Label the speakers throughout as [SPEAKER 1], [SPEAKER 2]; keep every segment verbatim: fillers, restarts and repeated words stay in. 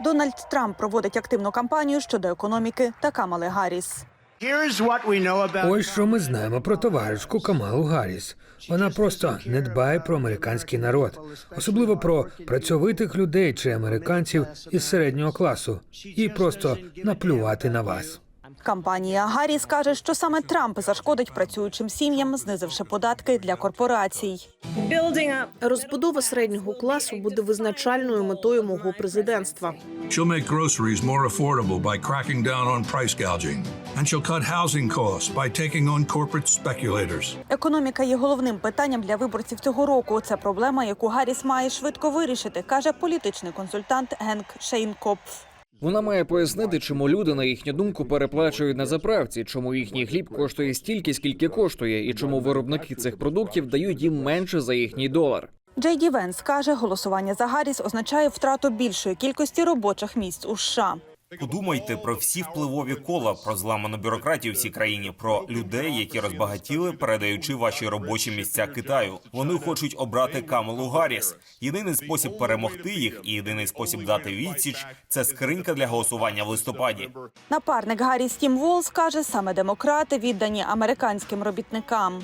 [SPEAKER 1] Дональд Трамп проводить активну кампанію щодо економіки та Камали Гарріс.
[SPEAKER 2] Ось що ми знаємо про товаришку Камалу Гарріс. Вона просто не дбає про американський народ, особливо про працьовитих людей чи американців із середнього класу, і просто наплювати на вас.
[SPEAKER 1] Кампанія Гарріс каже, що саме Трамп зашкодить працюючим сім'ям, знизивши податки для корпорацій.
[SPEAKER 3] Розбудова середнього класу буде визначальною метою мого президентства.
[SPEAKER 4] She'll make groceries more affordable by cracking down on price gouging. And she'll cut housing costs by taking on corporate speculators.
[SPEAKER 1] Економіка є головним питанням для виборців цього року. Це проблема, яку Гарріс має швидко вирішити, каже політичний консультант Генк Шейнкопф.
[SPEAKER 5] Вона має пояснити, чому люди, на їхню думку, переплачують на заправці, чому їхній хліб коштує стільки, скільки коштує, і чому виробники цих продуктів дають їм менше за їхній долар.
[SPEAKER 1] Джей Ді Венс каже, голосування за Гарріс означає втрату більшої кількості робочих місць у США.
[SPEAKER 6] Подумайте про всі впливові кола, про зламану бюрократію в цій країні, про людей, які розбагатіли, передаючи ваші робочі місця Китаю. Вони хочуть обрати Камалу Гарріс. Єдиний спосіб перемогти їх і єдиний спосіб дати відсіч – це скринька для голосування в листопаді.
[SPEAKER 1] Напарник Гарріс Тім Волз каже, саме демократи віддані американським робітникам.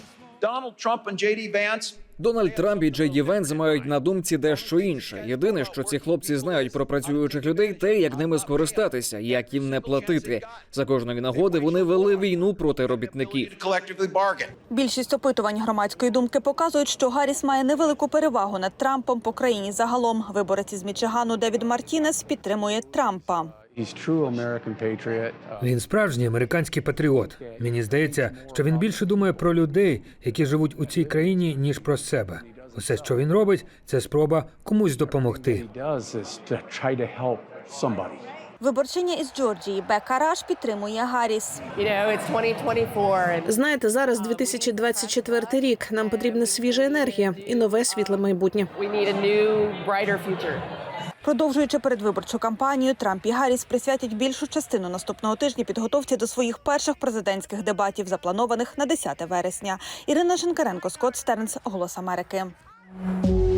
[SPEAKER 5] Дональд Трамп і Джей Ді Венс мають на думці дещо інше. Єдине, що ці хлопці знають про працюючих людей, те, як ними скористатися, як їм не платити. За кожної нагоди вони вели війну проти робітників.
[SPEAKER 1] Більшість опитувань громадської думки показують, що Гарріс має невелику перевагу над Трампом по країні загалом. Виборець із Мічигану Девід Мартінес підтримує Трампа.
[SPEAKER 2] Він справжній американський патріот. Мені здається, що він більше думає про людей, які живуть у цій країні, ніж про себе. Усе, що він робить, це спроба комусь допомогти.
[SPEAKER 1] Виборчиня із Джорджії Бека Раш підтримує Гарріс.
[SPEAKER 3] Знаєте, зараз дві тисячі двадцять четвертий рік. Нам потрібна свіжа енергія і нове світле майбутнє.
[SPEAKER 1] Продовжуючи передвиборчу кампанію, Трамп і Гарріс присвятять більшу частину наступного тижня підготовці до своїх перших президентських дебатів, запланованих на десяте вересня. Ірина Шинкаренко, Скотт Стернс, Голос Америки.